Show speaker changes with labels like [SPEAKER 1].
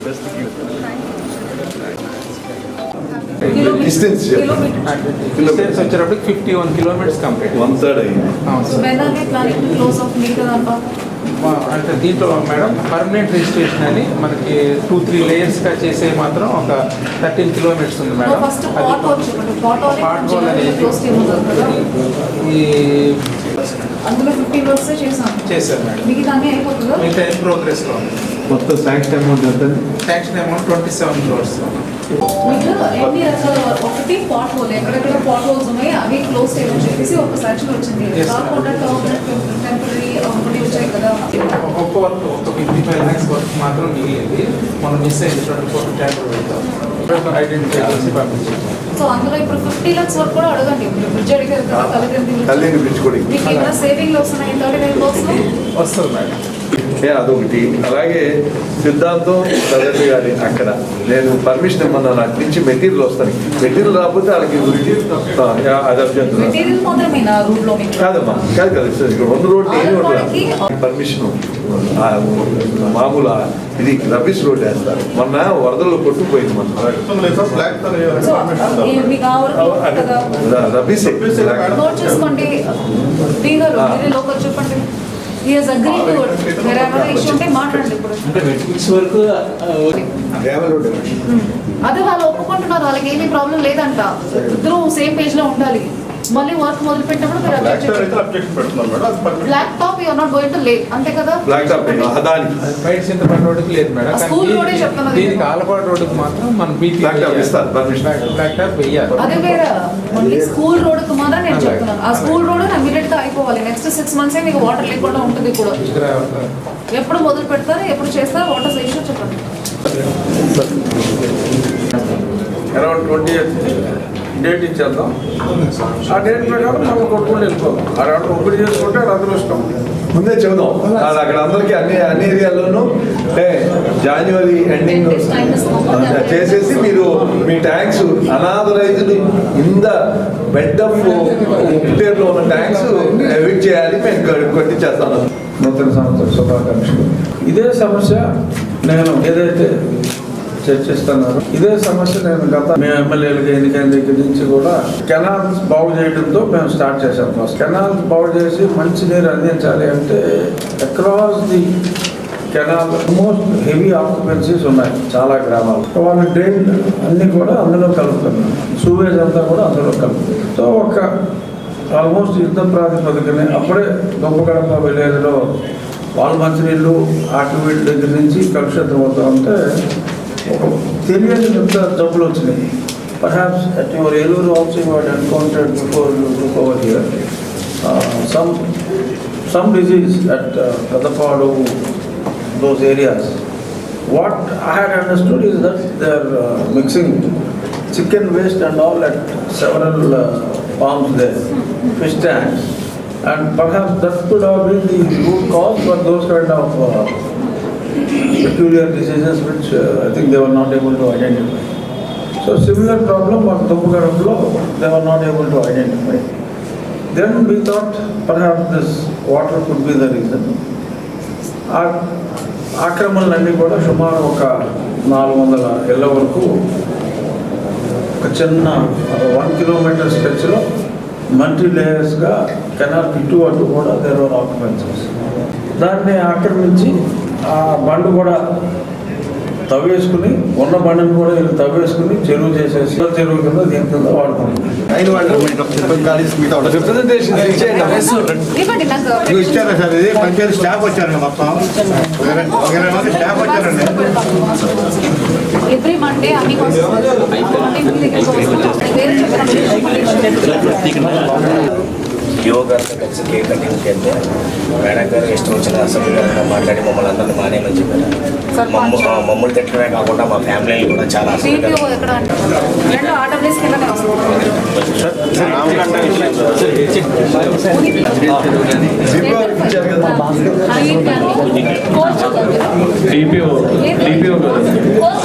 [SPEAKER 1] Distance
[SPEAKER 2] వచ్చేటప్పటికి 51 kilometers complete
[SPEAKER 1] 1/3 అయింది.
[SPEAKER 3] So when are they planning to close off meter and
[SPEAKER 2] అంటే దీంట్లో madam permanent registration అని మనకి 2-3 లేయర్స్గా చేసే మాత్రం ఒక 13 kilometers ఉంది మేడం.
[SPEAKER 3] ఫస్ట్ పాట్
[SPEAKER 2] హోల్ అనేది ఈ
[SPEAKER 3] అందులో 15 వర్క్స్
[SPEAKER 2] చేశారు మేడం.
[SPEAKER 3] మీకు దాన్ని అయిపోతుందా?
[SPEAKER 2] మిగతా ప్రోగ్రెస్లో ఉంది.
[SPEAKER 1] మొత్తం శాంక్షన్ అమౌంట్ ఎంత?
[SPEAKER 2] Sanction amount 27 crores.
[SPEAKER 3] మీకు ఎన్ని రకాల ఒకటి పాట్ హోల్ ఎక్కడెక్కడ పాట్ హోల్స్ ఉన్నాయి అవి క్లోజ్ చేయమని చెప్పేసి ఒక శాంక్షన్ వచ్చింది. కాకుండా టెంపరీ ఒకటి వచ్చాయి కదా.
[SPEAKER 2] ఒక్క వర్క్ ఒక 55 lakhs వర్క్ మాత్రం మిగిలింది. మనం మిస్ అయింది 24 ట్యాంపర్ ఐడెంటిఫై చేసి పంపించాము.
[SPEAKER 3] సో అందులో ఇప్పుడు 50 lakhs వరకు కూడా అడగండి. ఇప్పుడు బ్రిడ్జ్ అడిగారు కదా
[SPEAKER 1] కళ్యాణి బ్రిడ్జ్ కూడా
[SPEAKER 3] మీకు ఏమైనా సేవింగ్ వస్తున్నాయి 39 lakhs
[SPEAKER 2] వస్తుంది మేడం.
[SPEAKER 1] అదొకటి. అలాగే సిద్ధాంతం చదవండి గారి అక్కడ నేను పర్మిషన్ ఇమ్మన్నా నాకు నుంచి మెటీరియల్ వస్తాను. మెటీరియల్ రాకపోతే వాళ్ళకి అది అభ్యంతరం
[SPEAKER 3] మెటీరియల్ మాత్రమేనా రూట్ లో మీకు
[SPEAKER 1] కాదమ్మా. కాదు కదా సార్, ఇక్కడ 2 రోడ్లు ఏమి ఉంటుంది పర్మిషన్ మామూలు ఇది రబ్బిష్ రోడ్ వేస్తారు. మొన్న వరదల్లో కొట్టుకుపోయింది మన రబ్బిష్
[SPEAKER 3] నోట్ చేసుకోండి. చెప్పండి అదే వాళ్ళు ఒప్పుకుంటున్నారు, వాళ్ళకి ఏమీ ప్రాబ్లం లేదంట. ఇద్దరు సేమ్ పేజ్ లో ఉండాలి. మళ్ళీ వర్క్ మొదలు పెట్టినప్పుడు black top you're not going to lay, అంతే కదా?
[SPEAKER 1] బ్లాక్ టాప్
[SPEAKER 2] బయట చింతపండు రోడ్డుకి లేదు మేడం.
[SPEAKER 3] స్కూల్ రోడే చెప్తున్నారు.
[SPEAKER 2] దీనికి ఆలపాడు రోడ్డుకి మాత్రం మనం
[SPEAKER 1] బ్లాక్ టాప్ ఇస్తారు పర్మిషన్.
[SPEAKER 2] బ్లాక్ టాప్ వెయ్యాలి.
[SPEAKER 3] అదే వేరే మళ్ళీ స్కూల్ రోడ్డుకి మాత్రం నేను చెప్తున్నాను. ఆ స్కూల్ రోడ్ ఇమీడియట్ గా అయిపోవాలి. నెక్స్ట్ 6 months మీకు వాటర్ లేకుండా ఉంటుంది. ఇప్పుడు ఎప్పుడు మొదలు పెడతారు, ఎప్పుడు చేస్తారు, వాటర్ ఇష్యూ చెప్పండి.
[SPEAKER 4] అరౌండ్ 20th డేట్ ఇచ్చేద్దాం. ఆ డేట్ ప్రకారం మనం కొట్టుకుని వెళ్ళిపోదాం. అరౌండ్ ఒకటి చేసుకుంటే అది అదృష్టం.
[SPEAKER 1] ముందే చెబుదాం అక్కడ అందరికీ అన్ని ఏరియాల్లోనూ జనవరి ఎండింగ్ చేసేసి మీరు మీ tanks unauthorised in the bed of పేరులో ఉన్న ట్యాంక్స్ ఎవిట్ చేయాలి. మేము కొట్టించేస్తాను. నూతన సంవత్సర శుభాకాంక్షలు.
[SPEAKER 4] ఇదే సమస్య నేను ఏదైతే చర్చిస్తున్నారు, ఇదే సమస్య నేను గత మేము ఎమ్మెల్యేలకు ఎన్నికైన దగ్గర నుంచి కూడా కెనాల్స్ బాగు చేయడంతో మేము స్టార్ట్ చేశాం. ఫస్ట్ కెనాల్స్ బాగు చేసి మంచి నీరు అందించాలి అంటే across the canal most heavy occupancies ఉన్నాయి చాలా గ్రామాలు. వాళ్ళ డ్రైన్ అన్నీ కూడా అందులో కలుపుతున్నారు, సూవేజ్ అంతా కూడా అందులో కలుపుతుంది. సో ఒక ఆల్మోస్ట్ యుద్ధ ప్రాతిపదికనే అప్పుడే గొప్పగడప విలేజ్లో వాళ్ళ మంచినీళ్ళు ఆటి వీటి దగ్గర నుంచి కలుషితం అవుతూ ఉంటే తెలియని ఎంత జబ్బులు వచ్చినాయి. Perhaps at your Eluru also you had encountered before you took over here some disease at Kadapadu, those areas. What I had understood is that they are mixing chicken waste and all at several farms there, fish tanks, and perhaps that could have been the root cause for those kind of peculiar diseases which I think they were not able to identify. So similar problem on Tuppugaramlo, they were not able to identify. Then we thought perhaps this water could be the reason. ఆక్రమణలన్నీ కూడా సుమారు ఒక 400 ఇళ్ల వరకు ఒక చిన్న 1 kilometer స్ట్రెచ్లో multi లేయర్స్గా కెనాల్ ఇటు అటు కూడా దేర్ వర్ ఆక్యుపెన్సీస్. దాన్ని ఆక్రమించి ఆ బండు కూడా తవ్వేసుకుని ఉన్న బండిని కూడా వీళ్ళు తవ్వేసుకుని చెరువు చేసేసి చెరువు కింద దీని కింద వాడుకుంటున్నారు.
[SPEAKER 5] ఇచ్చారా సార్? ఇది పంచాయతీ స్టాఫ్ వచ్చారండి, మొత్తం 20 మంది స్టాఫ్ వచ్చారండి.
[SPEAKER 3] ఎవ్రీ మండే అన్ని
[SPEAKER 6] యోగాతో కలిసి కేక్ కటింగ్కి వెళ్తే మేడం గారు ఇష్టం వచ్చిన అసెంబ్లీ గారు మాట్లాడి మమ్మల్ని అందరినీ మానేమని చెప్పారు. మమ్మల్ని తిట్టడమే కాకుండా మా ఫ్యామిలీని కూడా చాలా
[SPEAKER 3] అసలు